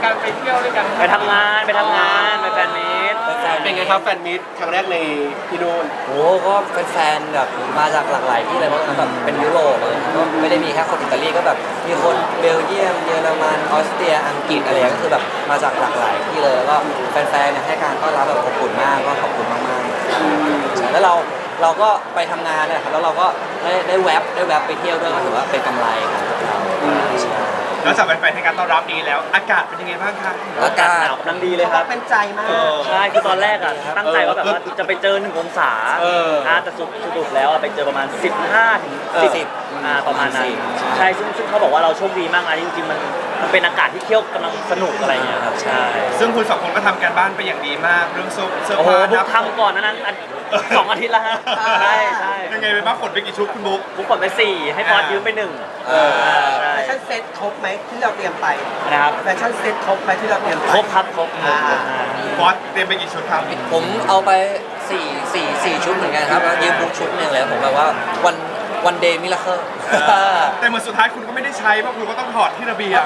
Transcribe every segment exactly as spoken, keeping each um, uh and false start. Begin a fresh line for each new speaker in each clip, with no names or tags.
การไปเที่ยวด้วยกัน
ไปทำงานไปทำงานไปแฟนมีต
เป็นไงครับแฟนมิตครั้งแรกในที่นู่น
โอ้ก็เป็นแฟนแบบมาจากหลากหลายที่เลยเพราะแบบเป็นยุโรปเลยก็ไม่ได้มีแค่คนอิตาลีก็แบบมีคนเบลเยียมเยอรมันออสเตรียอังกฤษอะไรก็คือแบบมาจากหลากหลายที่เลยแล้วก็แฟนๆเนี่ยให้การต้อนรับแบบอบอุ่นมากก็ขอบคุณมากๆใช่แล้วเราเราก็ไปทำงานนะครับแล้วเราก็ได้ได้แวบได้แวบไปเที่ยวด้วยก็ถือว่าเป็นกำไรของเราใช่
แล้วจากแฟนๆให้การต้อนรับดีแล้วอากาศเป็นยังไงบ้างคะ
อากาศ
หนาวกำลังดีเลยครับ
เป็นใจมาก
ใช่คือตอนแรกอ่ะตั้งใจว่าแบบว่าจะไปเจอหนึ่งองศาอ่าแต่สุดสรุปแล้วไปเจอประมาณสิบห้าถึงสิบอ่าประมาณนั้นใช่ซึ่งซึ่งเขาบอกว่าเราโชคดีมากนะจริงๆมันมันเป็นอากาศที่เที่ยวกำลังสนุกอะไรเงี้ยครับใช่
ซึ่งคุณสองคนก็ทำการบ้านไปอย่างดีมากเรื่องเสื้อ
โอ้โห
ผ้า
บุ๊กทำก่อนนั้นสองอาทิตย์แล้วฮะใช่ใช่
ยังไงไปบ้างขนไปกี่ชุดคุณบุ๊ก
บุ๊กขนไปสี่ให้ฟอสยืมไปหนึ่ง
แฟชั่นเซ็ตครบไหมที่เราเตรียมไป
นะครับ
แฟชั่นเซ็ตครบไหมที่เราเตรียมไป
ครบครับครบ
ฟอสเตรียมไปกี่ชุดครับ
ผมเอาไปสี่สี่สี่ชุดเหมือนกันครับแล้วยืมบุ๊กชุดหนึ่งเลยผมแบบว่าวันวันเดย์มิราเคิล
แต่เหมือนสุดท้ายคุณก็ไม่ได้ใช้เพราะคุณก็ต้องถอดที่ระเบียง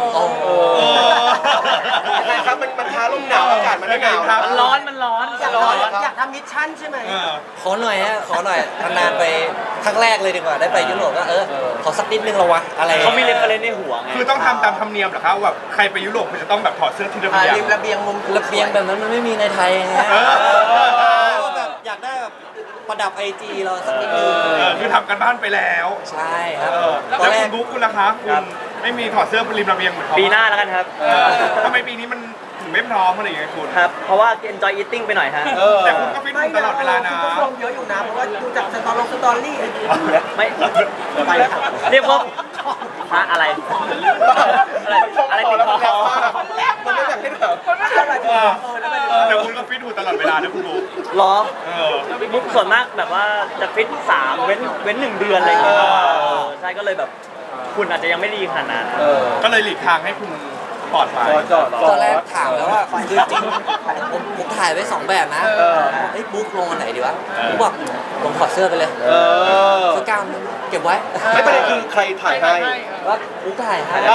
ยังไงครับมันมันท้าลมหนาวอากาศมันหนาว
ครับมันร้อนมันร้อน
อยากร้อนอยากทำมิชชั่นใช่ไหม
ขอหน่อยฮะขอหน่อยนานๆไปครั้งแรกเลยดีกว่าได้ไปยุโรปก็เออขอสักนิดนึงละวะอะไร
เขามีเรฟเฟรนซ์ในหัวไง
คือต้องทำตามธรรมเนียมเหรอครับแบบใครไปยุโรปคุณจะต้องแบบถอดเสื้อที่ระเบียง
ริมระเบียงมุม
ระเบียงแบบนั้นมันไม่มีในไทยไงแบบอยากได้แบบประดับไอจีเราสักนิดนึง
คือทำกันบ้านไปแล้ว
ใช่ครับ
ตอนแรกบุ๊กคุณล่ะคะคุณไม่มีถอดเสื้อบนริมระเบียงเหมือนเขา
ปีหน้าแล้วกันครับ
ทำไมปีนี้มันถึงไม่พร้อมอะไรอย่างเงี้ยคุณ
ครับเพราะว่า enjoy eating ไปหน่อยฮะ
แต่คุณก็ฟิตตลอดเวลานะ
คุณก็ลงเยอะอยู่นะเพราะว่าดูจากสตอรี่สตอรี่
ไม่ไปเรียกว่าฮะอะไรอะไรอะไรติดคอ
มันไม่อยากให้ถาม
มันไม่ใช่อะไร
แต่คุณก็ฟิตอยู่ตลอดเวลานะคุณบุ๊ก
หรอบุ๊กส่วนมากแบบว่าจะฟิตสามเว้นเว้นหนึ่งเดือนอะไรอย่างเงี้ยใช่ก็เลยแบบคุณอาจจะยังไม่ดีขนาดนั้น
ก็เลยหลีกทางให้คุณปลอดภัย
ตอนแรกถามแล้วว่าคือจริงผมผมถ่ายไว้สองแบบนะไอ้บุ๊กลงอันไหนดีวะบุ๊กบอกลงถอดเสื้อไปเลยเสื้อกล้ามเก็บไว้
ไม่ประเด็นคือใครถ่ายให้
ว่าบุ๊กถ่ายให้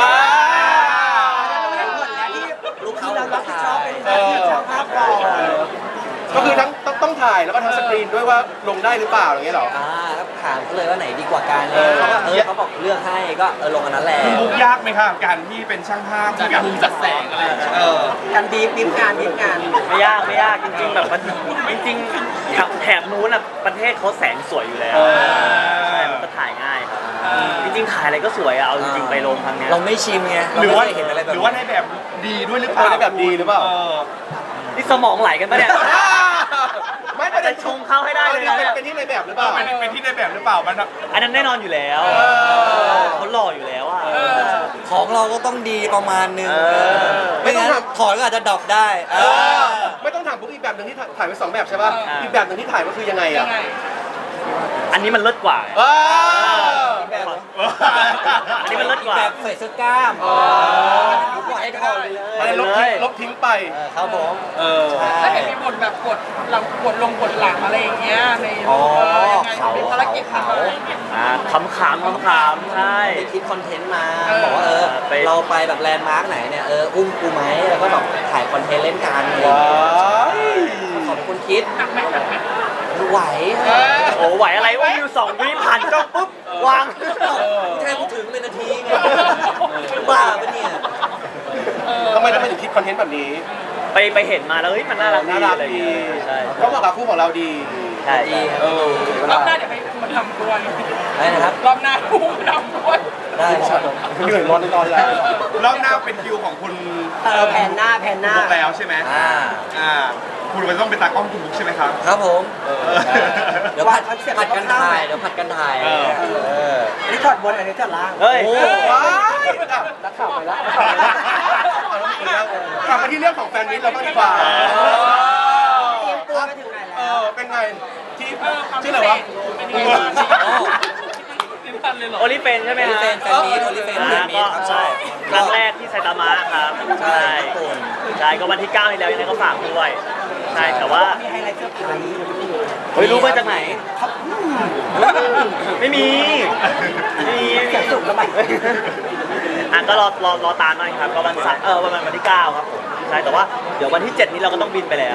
ลูกเขารับผิดชอบเป็นช่างภาพก่อน
ก็คือทั้งต้องถ่ายแล้วก็ทั้งสกรีนด้วยว่าลงได้หรือเปล่าอย่างเงี้ยหรอ
อ่าแล้วถามเขาเลยว่าไหนดีกว่ากันเออเขาบอกเลือกให้ก็เออลงอันนั้นแหละ
บุ๊กยากไหมครับการที่เป็นช่างภาพการมุมจัดแสงอะไร
การบีบบีบงานบีบงาน
ไม่ยากไม่ยากจริงๆแบบมันจริงๆแถบนู้นอ่ะประเทศเขาแสงสวยอยู่แล้วใช่มันก็ถ่ายง่ายครับจริงๆถ่ายอะไรก็สวยอะเอาจริงๆไปลงครั้งนี้
เราไม่ชิมไง
หรือว่า
เห็นอะไรแบบ
หรือว่าในแบบดีด้วยหรือเปล่า
ในแบบดีหรือเปล่า
นี่สมองไหลกันปะเนี่ย
ไม่ประเด็น
ชงเข้าให้ได้เลยนะ
เป็นที่ในแบบหรือเปล่า
เป็นที่ในแบบหรือเปล่ามัน
อันนั้นแน่นอนอยู่แล้วเขาหล่ออยู่แล้วอ่ะ
ของเราก็ต้องดีประมาณนึงไม่งั้นถอดก็อาจจะดรอปได้
ไม่ต้องถามบุ๊กอีกแบบหนึ่งที่ถ่ายไปสองแบบใช่ป่ะอีกแบบหนึ่งที่ถ่ายก็คือยังไงอ่ะ
อันนี้มันเลิศกว่าอันนี้มันเลิศกว่า
แบบใส่เสื้อกล้าม
ปล่อยให้ถอดไปเลยลบทิ้งลบทิ้งไป
ครับผม
เออถ้าเห็นมีบทแบบกดหลังกดลงกดหลังอะไรอย่างเงี้ยในยังไงมีภารกิจทำอะไร
ขำขำขำขำใช่
ไปคิดคอนเทนต์มาบอกว่าเออเราไปแบบแลนด์มาร์กไหนเนี่ยเอออุ้มกูไหมแล้วก็แบบถ่ายคอนเทนต์เล่นกันว้าวขอบคุณคิดไหว
โอ้ไหวอะไรว่าวิวสองวิผ่านกล้องปุ๊บวาง
แค่กูถึงเป็นนาทีไงบ้าปะเนี่ย
ทำไมทำไมถึงคิดคอนเทนต์แบบนี้
ไปไปเห็นมาแล้วเฮ้ยมันน่ารัก
น่ารักดี
ใช่
ก็เหมาะกับคู่ของเราดี
ใช่ดี
เออรอบหน้าเดี๋ยวให้มาทำด้วย
ได้นะครับ
รอบหน้าคู่ทำด้วย
ได้ครับ
เหนื่อยร้อนร้อนแล้ว
รอบหน้าเป็นคิวของคุณ
เออแผ่นหน้าแผ่นหน้า
แล้วใช่ไหมอ่าอ่าคุณมันต้องเป็นตากล้องคุณบุ๊กใช่ไหมครับ
ครับผมเดี๋ยวผัดผัดกันถ่ายเดี๋ยวผัดกันถ่าย
อันนี้ถอดบนอันนี้ถอดล่าง
เฮ้ย
ว้ายนักข่าวไปแล้ว
กลับมาที่เรื่องของแฟนมิตรเราบ้างดีกว่า
ตัวไปถึงไหนแล้ว
เป็นไงที่ชื่ออะไรวะ
โอลิเฟนใช่ไหมฮะ
แฟนมิตรโอลิเฟน
ก็ใช่ครั้งแรกที่ไซตามะครับใช่ใช่ก็วันที่เก้าที่แล้วยังไงก็ฝากด้วยใช่แต่ว่า
มีไฮไลท์เซอร์ไพรส์
เฮ้ยรู้มาจากไหนไม่มีไม่มี
เสียงสุกแล้วไหม
อ่ะะก็รอรอรอตามหน่อยครับก็วันเสาร์เออวันวันที่เก้าครับผมใช่แต่ว่าเดี๋ยววันที่เจ็ดนี้เราก็ต้องบินไปแล้ว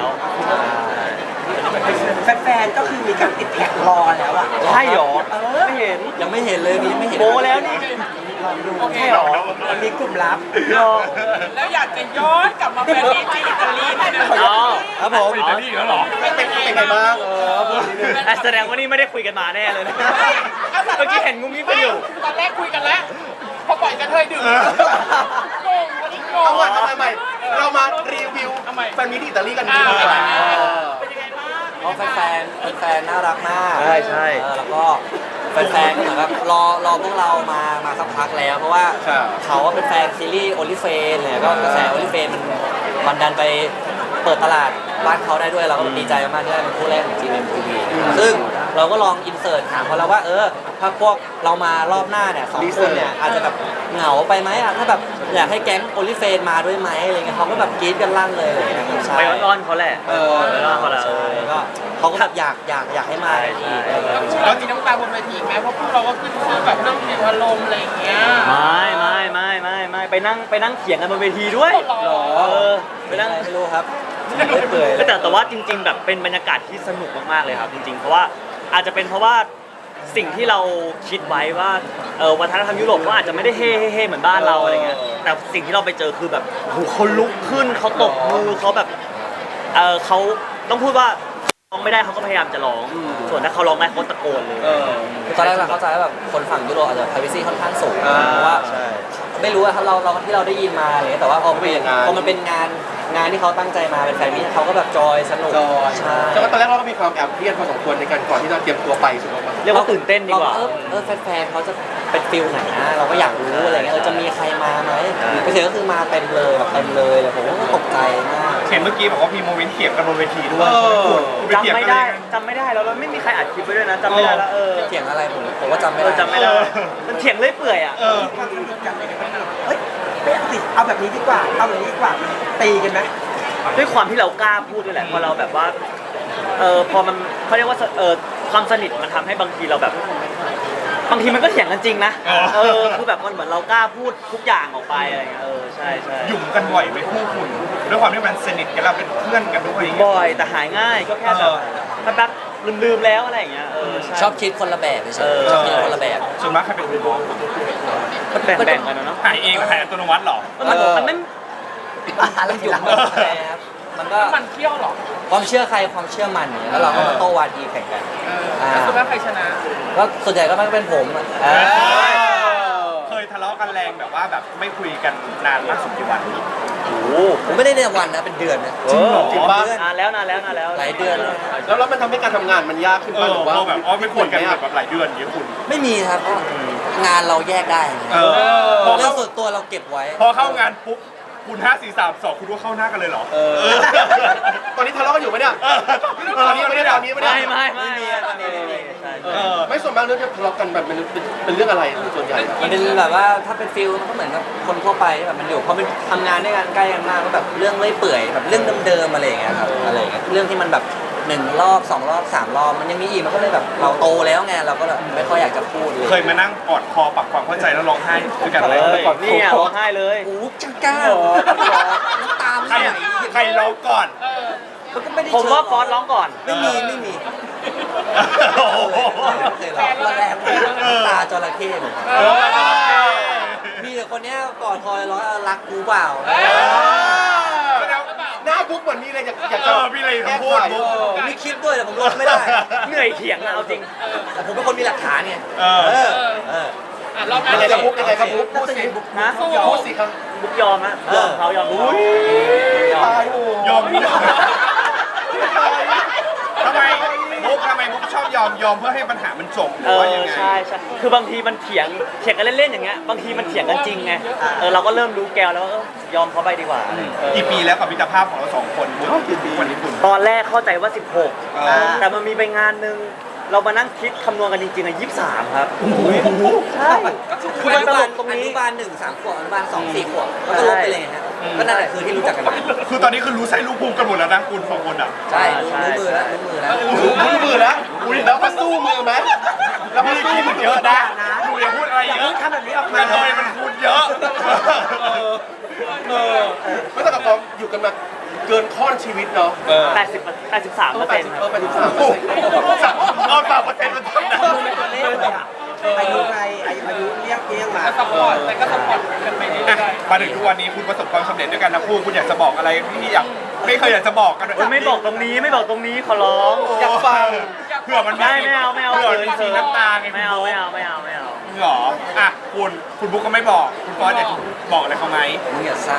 แฟนๆก็คือมีการติดแท็กรอแล้วอ่ะ
ใช่หรอไม่เห็น
ยังไม่เห็นเลยนี่ไม่เห็น
โมแล้วนี่
โอเค
ใช่หรอ
มันมีกลุ่มลับ
รอ
แล้วอยากจะย้อนกลับมาแฟนมีที่อิตาลีนิดนึง
อ๋อ
ครับผม
อิตาลีแล้วเหรอ
เป็นเป็น
เป็นไงบ้างเออพูดนิดนึง
อ่ะแสดงว่านี่ไม่ได้คุยกันมาแน่เลยนะเมื่อกี้เห็นงุ้มยิ้มกันอยู่
ตอนแรกคุยกันแล้ว พอปล่อยกระเทยดึงงงวันนี้งง
เอาใหม่เอาใหม่ใหม่เรามารีวิว
เอาใหม่
แฟนมีที่อิตาลีกันดีกว่า
อ่า
เออ
เป็นยังไงบ้าง
เพราะแฟนๆแฟนๆน่ารักมาก
ใช่ใช่
เออแล้วก็แฟนๆก็เหมือนแบบรอรอพวกเรามามาสักพักแล้ว เพราะว่า
ครับ
เขาว่าเป็นแฟนซีรีส์โอลิเฟนเนี่ยก็กระแสโอลิเฟนมันมันดันไปเปิดตลาดบ้านเขาได้ด้วยเราก็ดีใจมากๆที่ได้เป็นคู่แรกของ จี เอ็ม ที วี ซึ่งเราก็ลองอินเสิร์ตถามเขาแล้วว่าเออถ้าพวกเรามารอบหน้าเนี่ยสองคนเนี่ยอาจจะแบบเหงาไปไหมอ่ะถ้าแบบอยากให้แก๊งโอลิเฟนมาด้วยไหมอะไรเงี้ยเขาก็แบบกรี๊ดกันลั่นเลยอะไรเงี้ยใช่
ไปอ้อนๆเขาแหละ
เออ
ไปอ้อนๆเขาแหละ
ใช่ก็เขาก็แบบอยากอยากอยากให้มาอีก
แล้วพวกเรามีน้ำตาบนเวทีไหมเพราะพวกเราก็ขึ้นชื่อแบบเรื่องเพลงอารมณ์อะไรอย่างเงี้ย
ไม่ไม่ไม่ไม่ไม่ไปนั่งไปนั่งเถียงกันบนเวทีด้วย
หรอ
เออไป
ไม่
นั่ง
ไม่รู้ครับไม่เปื่อย
แต่แต่ว่าจริง ๆ แบบเป็นบรรยากาศที่สนุกมากๆเลยครับจริงๆเพราะว่าอาจจะเป็นเพราะว่าสิ่งที่เราคิดไว้ว่าเออวัฒนธรรมยุโรปก็อาจจะไม่ได้เฮ่เฮ่เหมือนบ้านเราอะไรเงี้ยแต่สิ่งที่เราไปเจอคือแบบโอ้โหเขาลุกขึ้นเขาตบมือเขาแบบเออเขาต้องพูดว่าร้องไม่ได้เขาก็พยายามจะร้อง ส่วนถ้าเขาร้องได้เขาตะโกนเลย
เออ
คือตอนแรกเราเข้าใจว่าแบบคนฝั่งยุโรปอาจจะ privacy ค่อนข้างสูง
อ่า
เพราะว่า
ใช่
ไม่รู้ว่าเราเราที่เราได้ยินมาอะไรเงี้ยแต่ว่าพอ
ไม่เป็นอย่างนั้น
พอมันเป็นงานงานที่เขาตั้งใจมาเป็นแฟนมิตเขาก็แบบจอยสนุก
จอย
ใช่
แต่ว่าตอนแรกเราก็มีความแอบเครียดพอสมควรในการก่อนที่เราเตรียมตัวไปถูกไหม
เรียกว่าตื่นเต้นดีกว่า
เรเออเออแฟนๆเขาจะเป็นฟิลไหนนะเราก็อยากรู้อะไรเงี้ยเออจะมีใครมาไหม
ใช่
ไปถึงก็คือมาเต็มเลยแบบเต็มเลยเลยผมก็ตกใจมาก
เห็นเมื่อกี้บอกว่ามีโมเมนต์เถียงกันบนเวทีด้วย
เออ
คุณไปเถียง
จำไม่
กัน
ได้
เลย
จำไม่ได้แล้วเราไม่มีใครอัดคลิปไว้ด้วยนะจำไม่ได้แล้วเออ
เถียงอะไรผมผมก็จำไม่
เอ
ได้
อจำไม่ได้มันเถียงเรื่อยเปื่อยอ่ะ
เออ
ความสนุกกันอะไรกันบ้างเฮ้ยไม่เอาสิเอาแบบนี้ดีกว่า เอาแบบนี้ดีกว่า ตีกันไหม
ด้วยความที่เรากล้าพูดด้วยแหละพอเราแบบว่าเออพอมันเขาเรียกว่าเออความสนิทมันทำให้บางทีเราแบบ บางทีมันก็เถียงกันจริงนะ
อ๋อ
เออคือแบบมันเหมือนเรากล้าพูดทุกอย่างออกไปอะไรเงี้ยเออใช่ใช่
หยุ่มกันบ่อยไหมคู่คุณด้วยความที่มันสนิทกันเราเป็นเพื่อนกันด้วยอย่างเงี้ย
บ่อยแต่หายง่ายก็แค่แบบ
เออ
แป๊บๆลืมๆแล้วอะไรอย่างเงี้ยเออใช่
ชอบคิดคนละแบบเฉ
เอย อ
ๆชอบคิดคนละแบบ
ส่วนมากใครเป็นคนบอก
มันแบ่งๆกันนะเนาะ
หายเองหรือหายอัตโนมัติเหรอ
มันมันไม่
อะไรอยู่หลังครับมันก็
มันเที่ยวเหรอ
ความเชื่อใครความเชื่อมันเนี่ยแล้วเราก็มาโต้วาทีแข่งกัน
เออแล้วสุดท้ายใครชนะ
ก็ส่วนใหญ่ก็มักเป็นผมอะ
เออ
เออ
เคยทะเลาะกันแรงแบบว่าแบบไม่คุยกันนานมากสุดกี่วัน
โอ้โห
ผมไม่ได้ในวันนะเป็นเดือนนะ
จริงเหรอ
จริงปะ
นานแล้วนานแล้วนานแล้ว
หลายเดือนแล้ว
แล้วแล้วมันทำให้การทำงานมันยากขึ้น
เอ
ป่ะ
อ
หรือว่า
เราแบบอ๋อไม่คุยกัน
ไหม
แบ
อะ
บแบบหลายเดือนอย่างเงี้ยคุณ
ไม่มีครับเพราะงานเราแยกได้
เออพอ
เรื่อ
เข้าง
ส่วนตัวเราเก็บไว้
พอเข้างานปุ๊บคุณห้าสี่สามสองคุณว่าเข้าหน้ากันเลยเหรอ
เออ ตอนนี้ทะเลาะกันอยู่ไหมเนี่ย ตอนนี้ไม่ได้ตอนนี้ไม่ได้
ไม่ไม่ไม่ไม่ไม่ไม่ใช่
เออไม่ส่วนมากเรื่องที่ทะเลาะกันแบบเป็นเป็นเป็นเรื่องอะไรส่วนใหญ่อะ
มันเป็นแบบว่าถ้าเป็นฟิลมันก็เหมือนกับคนทั่วไปที่แบบมันอยู่พอเป็นทำงานด้วยกันใกล้กันมากก็แบบเรื่องเลื่อยเปื่อยแบบเรื่องเดิมๆอะไรอย่างเงี้ยครับอะไรอย่างเงี้ยเรื่องที่มันแบบหนึ่งรอบสองรอบสามรอบมันยังมีอีกมันก็เลยแบบเราโตแล้วไงเราก็แบบไม่ค่อยอยากจะพูดเลย
เคยมานั่งกอดคอปรับความเข้าใจแล้วร้องไห้ด้วยกันไหม
เลยนี่อ่ะร้องไห้เลย
โอ้จังก้าน้ำตา
ใคร
ไม่ไหล
ใครร้องก่อน
มันก็ไม่ได้
ผมว่าฟ
เชิ
อง สร้องก่อน
ไม่มีไม่มี
โอ้โห
เคยร้องระแรงน้ำตาจระเข้ผม
เออ
มีแต่คนเนี้ยกอดคอยร้องรักกูเปล่า
หน้าบุ๊กเหมือนมีอะไรอยากอยาก
เอ
จะ
อพี่เลย
แก้
คำพู
ไข
ด
เออ
ผมมีคลิปด้วยแต่ผมลงไม่ได้
เหนื่อยเถียงอะเอาจริง
แต่ผมเป็นคนมีหลักฐานไง
เออ
เออเออ
อ่ะรอบหน้า
ยังไงครับบุ๊กยังไงครับบุ๊กพูดสิ
นะ
พูดสิครับ
บุ๊กยอมฮะยอมเขายอมเขายอม
ตายโอ้
ยอมทำไมมุกทำไมมุกชอบยอมยอมเพื่อให้ปัญหามันจบหรื
เอ
อ
อ
ว่ายังไง
ใช่ใช่คือบางทีมันเถียงเถียงกันเล่นๆอย่างเงี้ยบางทีมันเถียงกันจริงไงเออเราก็เริ่มรู้แกวแล้วว่าเออยอมเขาไปดีกว่าเออ
กี่ปีแล้วกับมิตรภาพของเราสองคนมุกกี่ปีวันนี้คุณ
ตอนแรกเข้าใจว่าสิบหก
อ๋อ
แต่มันมีไปงานหนึงเรามานั่งคิดคำนวณกันจริงๆอ่ะยี่สิบสามครับใช่
คืออนุบาลตรงนี้อนุบาลหนึ่งสามขวบอนุบาลสองสี่ขวบก็ลบไปเลยไงฮะก็นั่นแหละคือที่รู้จักกันมา
คือตอนนี้คือรู้ไส้รู้ภูมิกันหมดแล้วนะคุณสองคนอ่ะ
ใช่รู้รู้มือแล้วรู้มือแล้ว
รู้รู้มือแล้วแล้วมาสู้มือไหมแล้วมา
พี่
สู้
คิด
มือ
เยอะนะดูอย่าพูดเออะไร
อย่า
เย
เพิ่
อะ
งทำแบบนี้ออก
ก
มา
ระเทยมันคูณเยอะ
เออเออไม่ต้องกับกองอยู่กันมาเกินข้อนชีวิตเนาะ
เออ
แปดสิบแปดสิบสามเปอร์
แป
เซ็
ด
น
สิ
ต์
บ
ครับ
เออแปดสิบสามเปอร์เซ็นต์
เอาสามเปอร์เซ็นต์มาทำนะ
ดูเป็นตัวเลขเลยอะอายุไงอายุอายุเรียกเรียกมา
ก็สปอร์ตแต่ก็สปอร์ตกันไปเรื่
อ่ะ
อย
มาถึงทุกวันนี้คุณประสบความสำเร็จด้วยกันนะคู่คุณอยากจะบอกอะไรที่อยากไม่เคยอยากจะบอกกัน
โอ้ยไม่บอกตรงนี้ไม่บอกตรงนี้ขอร้อง
อยากฟัง
เผื่อมัน
ไม่ไม่เอาไม่เอา
เผื่อมันมีสีน้ำตาไง
ไม่เอาไม่เอาไม่เอาไม่เอา
หรออ่ะคุณคุณบุ๊กก็ไม่บอกคุณฟอสอยากจะบอกอะไรเขาไหม
มึงอย่าสร้าง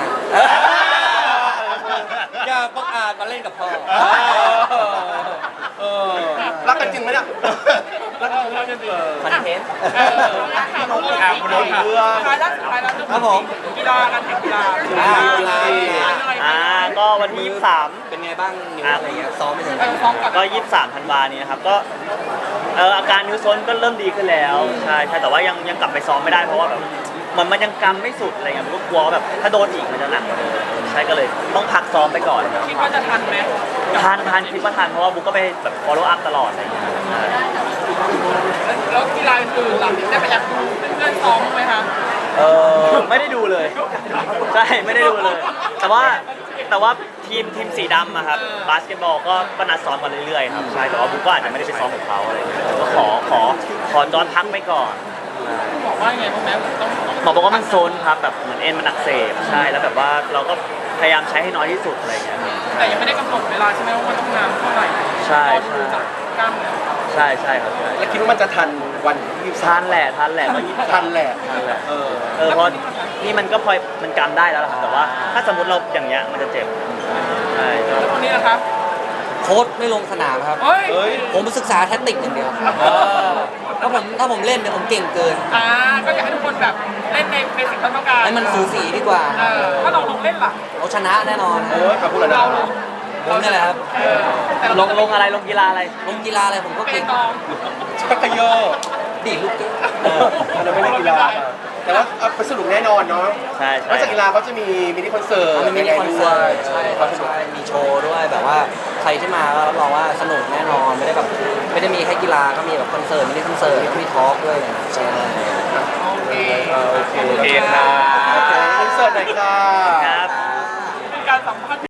อย่าประกาศมาเล่นกับพ่อ
เออรักกันจริงไหมเนี่ยรักกันรักกันจริง
คอนเทนต์
ๆเออถามเรื่อง
อ่ะคุณโน้ตค่ะ
เรื่อง
ท้ายแล้วสุดท้ายแล้วเรื่อง
ครับผม
กีฬาการแข่งกีฬา
อ่า
กีฬายังไง
อ่าก็วันที่ยี่สิบสาม
เป็นไงบ้างนิ้วอะไรเงี้ยซ้อมไปถึงไห
เอน อฟ้องก่อน
ก็ยี่สิบสามธันวานี้นะครับก็เอออาการนิ้วโซนก็เริ่มดีขึ้นแล้วใช่ใช่แต่ว่ายังยังกลับไปซ้อมไม่ได้เพราะว่าแบบมันมันยังกำไม่สุดอะไรเงี้ยผมก็กลัวว่าแบบถ้าโดนอีกมันจะหนักกว่าเดิมใช่ก็เลยต้องพักซ้อมไปก่อนครับ
คิดว่าจะทันไหม
ทานทานคิดว่าทานเพราะว่าบุ๊กก็ไปแบบ follow up ตลอดอะไรอย่างเงี้ยใช่
แล้วกีฬาอื่นๆล่ะได้ไปแอบดูเพื่อนๆซ้อมไหมคะ
เออไม่ได้ดูเลยใช่ไม่ได้ดูเลย แต่ว่าแต่ว่าทีมทีมสีดำอะครับบาสเกตบอลก็ก็นัดซ้อมกันเรื่อยๆครับใช่แต่ว่าบุ๊กก็อาจจะไม่ได้ไปซ้อมกับเขาอะไรอย่างเงี้ยก็ขอขอขอจอนพักไปก่อน
บอกว่าไงบ้างแม่ต้อง
หมอบอกว่ามันโซนครับแบบเหมือนเอ็นมันอักเสบใช่แล้วแบบว่าเราก็พยายามใช้ให้น้อยที่สุดอะไรอย่างเงี้ยครับ
แต่ยังไม่ได้กำหนดเวลาใช่ไหมว่าต้องนานเท่าไหร่
ใช่
รอดูจากกล้ามเนื้อ
ใช่ใช่ครับใช่
แล้วคิดว่ามันจะทันวันที่ยี่สิบสา
ทาม นแหละทานแหละก็ยี่สิบ
ทันแหละ
ทานแหละ
เออ
เออเพราะนี่มันก็พอมันกำได้แล้วล่ะครับแต่ว่าถ้าสมมติเราอย่างเงี้ยมันจะเจ็บใช่
แล้วคนนี้นะครับ
โค้ชไม่ลงสนามครับ
เฮ้ย
เฮ้ย
ผมศึกษาแทคติกอย่างเดียวถ้าผมถ้าผมเล่นเนี่ยผมเก่งเกิน
อ่าก็อยากให้ทุกคนแบบเล่นในเบสิกที่ต้องการ
ให้มันสูสีดีกว่า
เออถ้าเราลงเล่นล่ะ
เราชนะแน่นอน
โอ้ยขอบคุณนะ
เราลง
ผมนี่แหละครับ
เออแต่เรา
ลงลงอะไรลงกีฬาอะไร
ลงกีฬาอะไรผมก็
เป
เก่ง
ตอง
ชักกระโยก
ดีดลูกเก่ง
เอออันนั้นไม่ได้กีฬามาแต่ว่าเอาไปสรุปแน่นอนเนาะ
ใช่
น
ใช่
อกจากกีฬาเขาจะมีมินิคอนเสิร์ต
มันมีมินิคอนเสิร์ตใช่ค
ค
รั
วา
บ
มสนุก
ใช่มีโชว์ด้วยแบบว่าใครที่มาก็รับรองว่าสนุกแน่นอนไม่ได้แบบไม่ได้มีแค่กีฬาก็มีแบบคอนเสิร์ตมินิคอนเสิร์ตมีทอล์กด้วยใช่
โอเค
เออโอเค
โอเคค่ะ
โอเคคอนเสิร์ตหน่อยค่ะ
ครับ
เป็นการสัมภาษณ์